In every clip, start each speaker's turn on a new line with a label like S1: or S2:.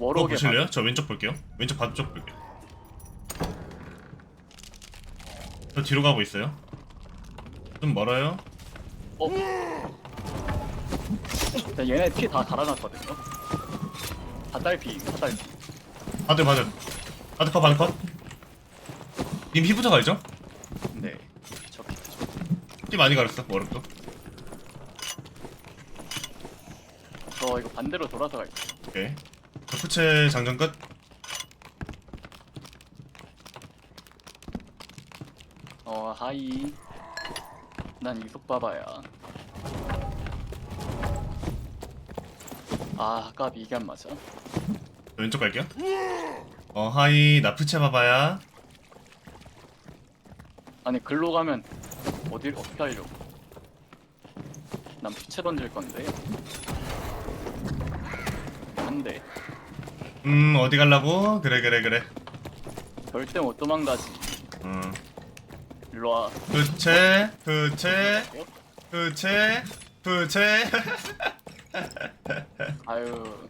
S1: 그거
S2: 워록에
S1: 보실래요? 저 왼쪽 볼게요. 왼쪽 바둑 쪽 볼게요. 저 뒤로 가고 있어요. 좀 멀어요.
S2: 얘네 피 다 달아놨거든요. 다 딸피.
S1: 바둑 바둑 바둑 컷. 님 피부터 갈죠?
S2: 네. 저 피.
S1: 피 많이 갈았어. 워록도.
S2: 저 이거 반대로 돌아서 갈게요.
S1: 오케이. 저 푸체 장전 끝.
S2: 하이. 난 이속 봐봐야. 까비 이게 안 맞아.
S1: 저 왼쪽 갈게요. 하이 나 푸체 봐봐야.
S2: 아니 글로 가면 어떻게 하려고? 난 피채 던질 건데. 안 돼.
S1: 어디 갈라고? 그래.
S2: 절대 못 도망가지. 일로 와.
S1: 푸체.
S2: 아유.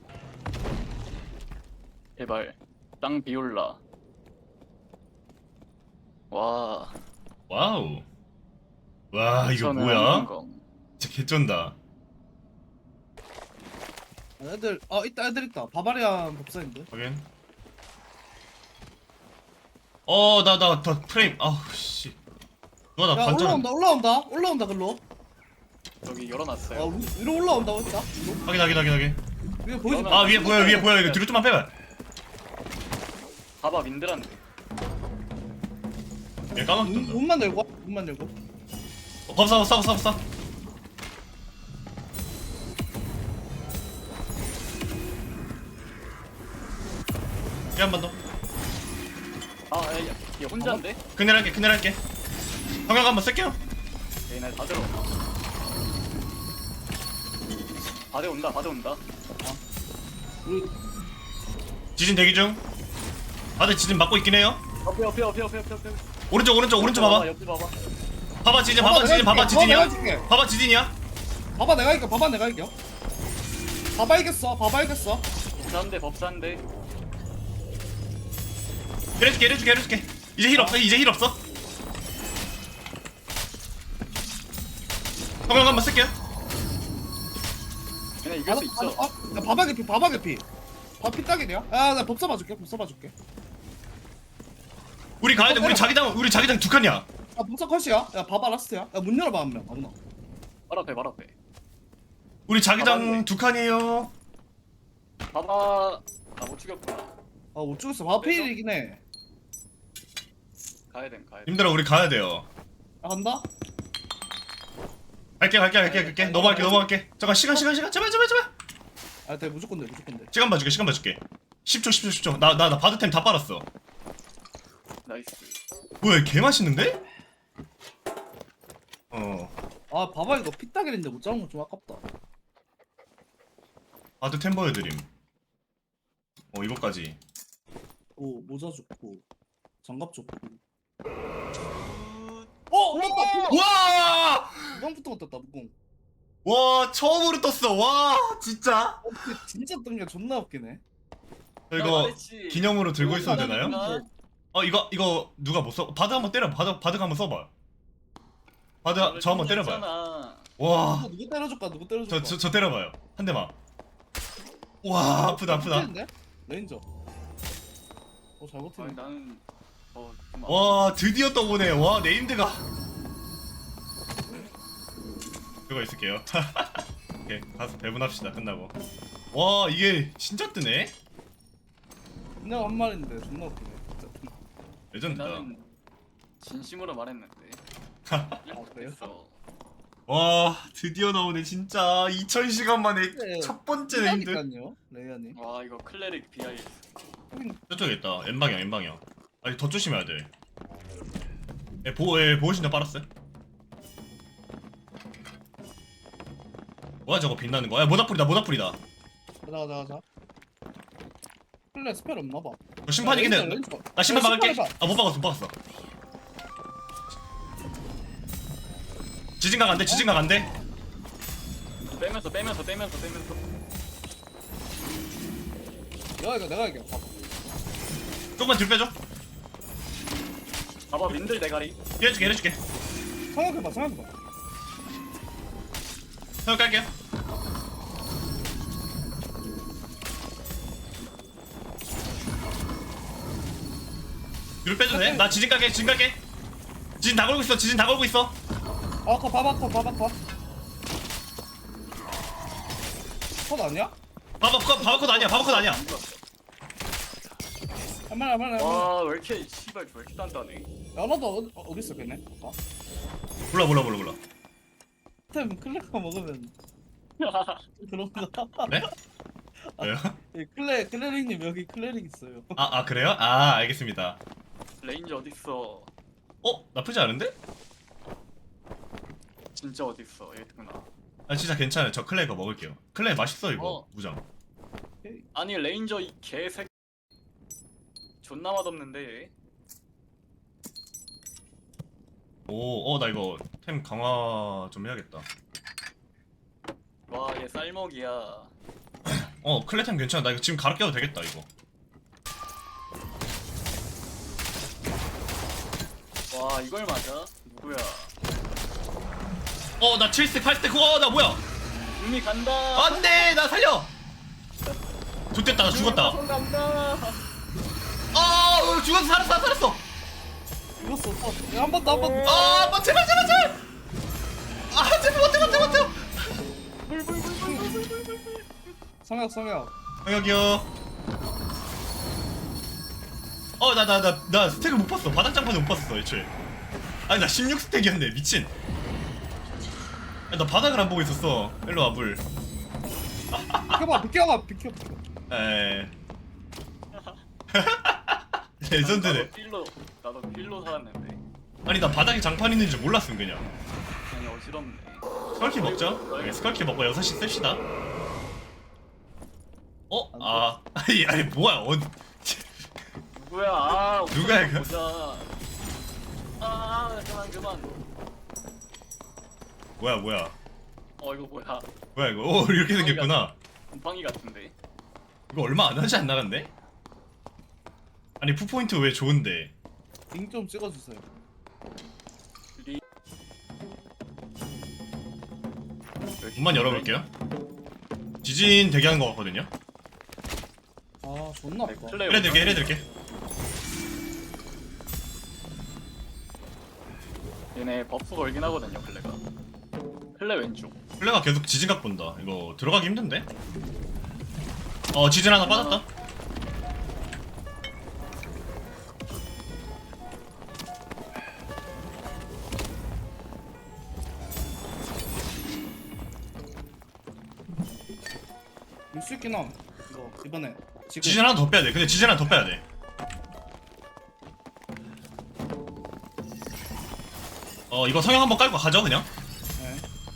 S2: 제발 땅 비올라. 와.
S1: 와우. 와 이거
S2: 저는
S1: 뭐야?
S2: 성공.
S1: 진짜 개쩐다.
S3: 애들 있다 애들 있다. 바바리안 법사인데.
S1: 확인. 나 더 프레임. 아우 씨. 누가 나
S3: 야
S1: 반전.
S3: 올라온다 글로.
S2: 여기 열어놨어요.
S3: 위로 올라온다 있다.
S1: 확인.
S3: 위에 보이지?
S2: 그러면-
S1: 위에 보여. 이거 뒤로 좀만 빼봐.
S2: 봐봐 민들한데.
S1: 얘 까먹던다.
S3: 문만 열고.
S1: 법사. 얘 한 번 더.
S2: 얘 혼자인데?
S1: 그늘할게. 성형 한번 쓸게요.
S2: 얘네 다 들어온다. 바대 온다.
S3: 우리
S1: 지진 대기 중. 다들 지진 맞고 있긴 해요.
S2: 옆에.
S1: 오른쪽 봐봐.
S2: 옆에 봐봐.
S1: 봐봐 지진
S3: 내가
S1: 지진이야.
S3: 줄게.
S1: 봐봐 지진이야.
S3: 봐봐 내가 이겨. 봐봐 이겼어.
S2: 법사인데.
S1: 이래줄게. 이제 힐 없어. 성형 한번 쓸게요.
S2: 얘네 이길 수 있어.
S3: 야 바바 개피. 피 따기냐? 나 법사 봐줄게.
S1: 우리 가야 돼. 우리 자기장 두 칸이야.
S3: 법사 컷이야. 야 바바 라스트야. 야 문 열어봐 한 명. 아무나.
S2: 발 앞에.
S1: 우리 자기장
S2: 가봤네.
S1: 두 칸이에요.
S2: 봐봐. 못 죽였구나.
S3: 못 죽였어. 바바 필이긴 해.
S2: 가야 돼.
S1: 님들아 우리 가야 돼요.
S3: 간다.
S1: 갈게. 넘어갈게. 잠깐 시간. 제발.
S3: 돼 무조건 돼.
S1: 시간 봐줄게. 10초. 나 바드템 다 빨았어.
S2: 나이스.
S1: 뭐야 개 맛있는데?
S3: 바바 이거 피 따기인데 못 잡은 건 좀 아깝다.
S1: 바드템 보여드림. 이거까지.
S3: 모자 좋고 장갑 좋고. 떴다.
S1: 와!
S3: 무광부터 떴다 무광.
S1: 와 처음으로 떴어. 와 진짜.
S3: 진짜 뜬 게 존나 웃기네.
S1: 저 이거 기념으로 들고 있어도 되나요? 이거 누가 못 써? 바드 한번 때려. 바드 한번 써봐. 바드 저 한번 때려봐요. 와.
S3: 누구 때려줄까?
S1: 저 때려봐요. 한 대만. 와 아프다.
S3: 레인저. 잘 버티네.
S2: 나는 좀
S1: 와 드디어 떠보네. 와 네임드가. 그거 있을게요. 오케이 가서 배분합시다. 끝나고. 와 이게 진짜 뜨네.
S3: 그냥 한 말인데 존나 웃기네. 진짜.
S1: 레전드다.
S2: 나는 진심으로 말했는데.
S3: 그래요?
S2: 그래서
S1: 와 드디어 나오네 진짜. 2000시간 만에
S3: 네.
S1: 첫 번째 네임드.
S3: 그러니까요, 레이아님.
S2: 와 이거 클레릭 BIS.
S1: 저쪽에 있다. N방향. 아니 더 조심해야 돼. 보호신경 빨았어요. 뭐야 저거 빛나는 거야? 모닥불이다.
S3: 가자. 플레 스펠 없나봐.
S1: 저 심판이긴 해. 나 심판 막을게. 못 박았어. 지진각 안 돼.
S2: 빼면서.
S3: 내가 이겨. 봐봐.
S1: 조금만 뒤로 빼줘.
S2: 봐봐 민들 대가리.
S1: 해줄게.
S3: 생각해봐.
S1: 형 깔게요. 뒤로 빼줘도 돼? 나 지진 깔게. 지진 다 걸고 있어.
S3: 봐봐. 컷 아니야?
S1: 바바컷 아니야.
S3: 할만해.
S2: 와왜 이렇게 씨발 왜 이렇게 단단해?
S3: 연어도 어디 있어 걔네?
S1: 몰라.
S3: 템 클레가 먹으면 그런가?
S1: 네? 왜요?
S3: 클레릭님 여기 클레릭 있어요.
S1: 아 그래요? 아 알겠습니다.
S2: 레인저 어딨어?
S1: 나쁘지 않은데?
S2: 진짜 어딨어 얘구나.
S1: 아 진짜 괜찮아요. 저 클레이거 먹을게요. 클레이 맛있어 이거. 무장.
S2: 아니 레인저 이 개새 존나 맛없는데.
S1: 나 이거 템 강화 좀 해야겠다.
S2: 와 얘 쌀먹이야.
S1: 클레 템 괜찮아. 나 이거 지금 갈아 껴도 되겠다 이거.
S2: 와 이걸 맞아? 누구야?
S1: 나 7스택 8스택. 나 뭐야?
S2: 이미 간다.
S1: 안돼 나 살려. 좋됐다 나 죽었다.
S2: 간다.
S1: 죽었어. 살았어.
S3: 이겼어. 한번 더.
S1: 제발. 제발.
S3: 성혁.
S1: 여기요. 나 스택을 못 봤어. 바닥장판을 못 봤어 애초에. 아니 나 16스택이었네. 미친. 나 바닥을 안 보고 있었어. 일로 와 물.
S3: 비켜.
S1: 에이. 레전드네.
S2: 나도 필로 살았는데.
S1: 아니 나 바닥에 장판 있는 줄 몰랐음 그냥.
S2: 아니 어지럽네.
S1: 스컬키 먹자. 스컬키 먹고 6시 씁시다. 아니 뭐야
S2: 누구야?
S1: 누가 이거?
S2: 보자. 그만.
S1: 뭐야
S2: 이거 뭐야?
S1: 뭐야 이거. 이렇게 생겼구나.
S2: 곰팡이 같은데.
S1: 이거 얼마 안 하지 안 나간대? 아니 푸포인트 왜 좋은데?
S3: 링 좀 찍어주세요.
S1: 문만 열어볼게요. 지진 대기하는 거 같거든요.
S3: 존나 아파.
S1: 해드릴게.
S2: 얘네 버프 걸긴 하거든요 클레가. 클레 왼쪽.
S1: 플레가 계속 지진각 본다. 이거 들어가기 힘든데? 지진 하나 빠졌다.
S3: 밀수 있긴 함. 이거 이번에 지금
S1: 지진 하나 더 빼야 돼. 근데 지진 하나 더 빼야 돼. 이거 성형 한번 깔고 가죠 그냥.
S3: 네.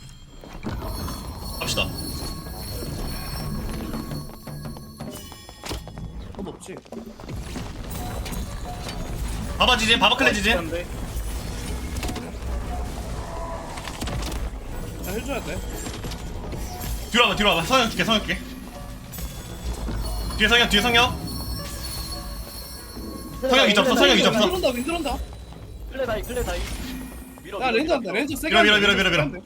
S1: 갑시다.
S3: 컷 없지.
S1: 바바 지진, 바바 클레 지진.
S2: 근데
S3: 나 해줘야 돼.
S1: 뒤로 와봐. 성형 줄게. 뒤에 성형. 성형 이제 없어.
S3: 윈 들어온다.
S2: 클레 다이. 밀어.
S3: 야 렌즈 한다. 렌즈 세게.
S1: 밀어.
S3: 한다.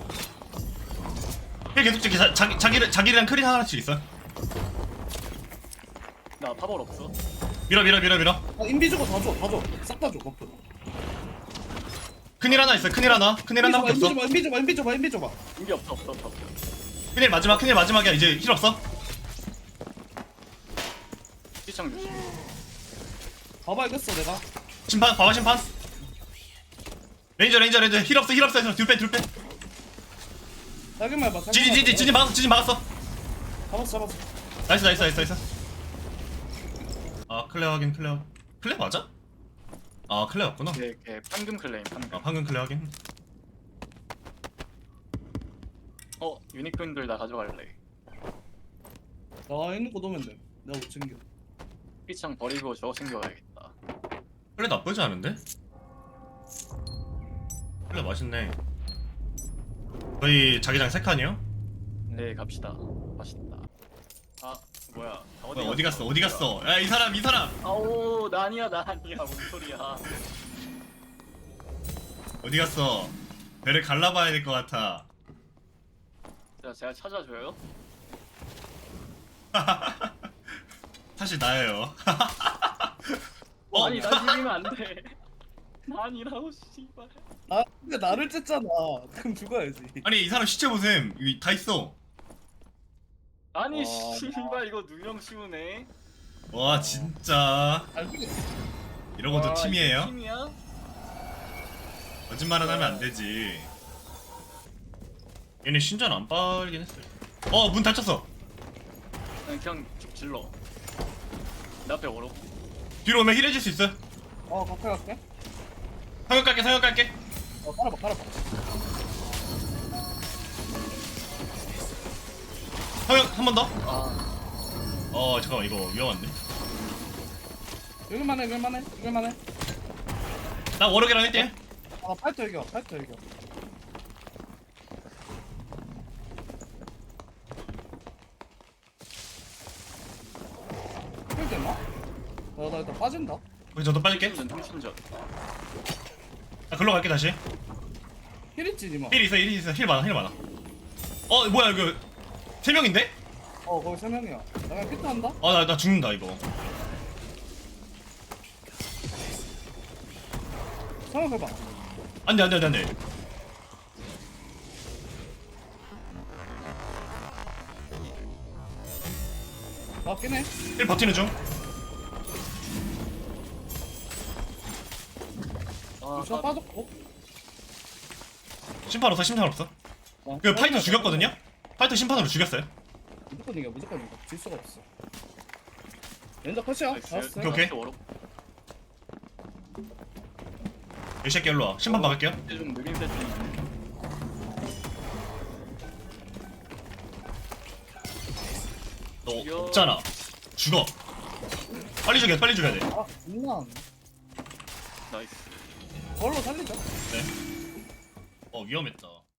S1: 힐 계속 찍기. 자기랑 크린 하나씩 있어.
S2: 나 파벌 없어.
S1: 밀어.
S3: 인비 주고 다 줘. 싹 다 줘. 버프.
S1: 큰일 하나 있어. 큰일 하나밖에 없어.
S3: 인비 줘봐.
S2: 인기 없어.
S1: 큰일 마지막이야. 이제 힐 없어.
S2: 시청 조심.
S3: 봐봐 이겼어 내가.
S1: 심판. 바바 심판. 레인저 힐 없어. 뒤로 빼.
S3: 자기만 해봐.
S1: 지진 막았어.
S3: 잡았어.
S1: 나이스. 클레 확인. 클레 맞아? 클레 맞구나.
S2: 걔 판금 클레임 판금.
S1: 방금 클레 확인.
S2: 유니콘들 나 가져갈래.
S3: 나 있는 거 넣으면 돼. 내가 못 챙겨.
S2: 피창 버리고 저거 챙겨가야겠다.
S1: 클레 나쁘지 않은데? 클레 맛있네. 저희 자기장 3칸이요?
S2: 네 갑시다. 맛있다. 뭐야?
S1: 뭐야, 어디 갔어? 어디 갔어? 야, 이 사람, 이 사람.
S2: 아오 나 아니야 뭔 소리야?
S1: 어디 갔어? 배를 갈라봐야 될 것 같아.
S2: 제가 찾아줘요?
S1: 사실 나예요.
S2: 아니 나 죽이면 안 돼. 나 아니라고 씨발.
S3: 아 근데 나를 쨌잖아. 그럼 죽어야지.
S1: 아니, 이 사람 시체 보셈. 여기 다 있어.
S2: 아니
S3: 와.
S2: 씨발 이거 누명 씌우네.
S1: 와, 진짜.
S3: 잘 죽였어.
S1: 이런 것도
S2: 와,
S1: 팀이에요?
S2: 이게 팀이야?
S1: 거짓말은 하면 안 되지. 얘네 신전 안 빨긴 했어요. 문 닫혔어.
S2: 그냥 쭉 질러. 내 앞에 오로.
S1: 뒤로 오면 힐해줄 수 있어.
S3: 가까이 갈게.
S1: 성역 갈게, 성역 갈게.
S3: 깔아봐.
S1: 성역 한 번 더.
S2: 아
S1: 잠깐만, 이거 위험한데.
S3: 여길만해.
S1: 나 워럭이랑 1대1.
S3: 파이터 이겨. 힐 됐나? 나 일단 빠진다.
S1: 거기 저도 빠질게.
S2: 통신전.
S1: 나 글로 갈게, 다시.
S3: 힐 있지 니마.
S1: 힐 있어. 힐 많아. 뭐야, 이거. 3명인데?
S3: 거기 3명이야. 나 그냥 피트 한다.
S1: 나 죽는다, 이거.
S3: 생각해봐.
S1: 안 돼.
S3: 맞긴 해.
S1: 힐 버티는 중.
S3: 루시아 빠졌고.
S1: 심판 없어. 그 파이터 죽였거든요? 파이터 심판으로 죽였어요.
S3: 무조건 이겨. 질 수가 없어. 렌저 컷이야. 잡았어.
S1: 오케이.
S2: 오로.
S1: 이 새끼 일로 와. 심판 막을게요.
S2: 좀 느린 세팅.
S1: 너 없잖아. 죽어. 빨리 죽여야 돼.
S3: 장난.
S2: 나이스.
S3: 걸로 살리자.
S1: 네. 위험했다.